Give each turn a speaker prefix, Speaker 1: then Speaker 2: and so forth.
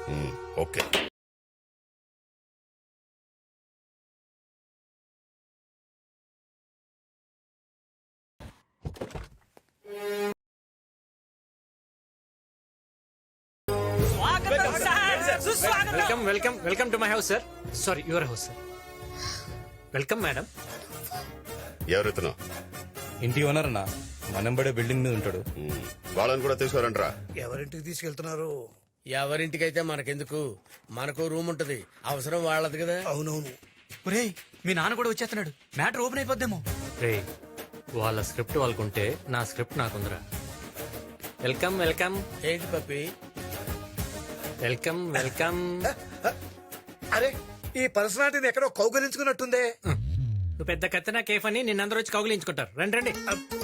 Speaker 1: Okay.
Speaker 2: Welcome welcome welcome to my house sir. Sorry, your house sir. Welcome madam.
Speaker 1: ఎవరెత్తును?
Speaker 3: ఇంటి owner అన్న మనంబడే building మీద ఉంటాడు.
Speaker 1: వాళ్ళని కూడా తీసుకురంట్రా.
Speaker 4: ఎవరింటికి తీసుకెళ్తున్నారు?
Speaker 5: ఎవరింటికైతే మనకెందుకు, మనకు రూమ్ ఉంటది, అవసరం వాళ్ళది కదా.
Speaker 4: అవునవును.
Speaker 6: ఒరేయ్, మీ నాన్న కూడా వచ్చేస్తున్నాడు. Matter open అయిపోద్దేమో.
Speaker 2: రే, వాళ్ళ స్క్రిప్ట్ వాళ్ళకుంటే నా స్క్రిప్ట్ నాకుందిరా. వెల్కమ్ వెల్కమ్
Speaker 5: ఏంటి పప్పి?
Speaker 2: Welcome welcome.
Speaker 4: అరే, ఈ పర్సనాలిటీని ఎక్కడో కౌగలించుకున్నట్టుందే.
Speaker 2: నువ్వు పెద్ద కత్తినా కేఫ్ అని నిన్నందరూ వచ్చి కౌగిలించుకుంటారు. రండి రండి.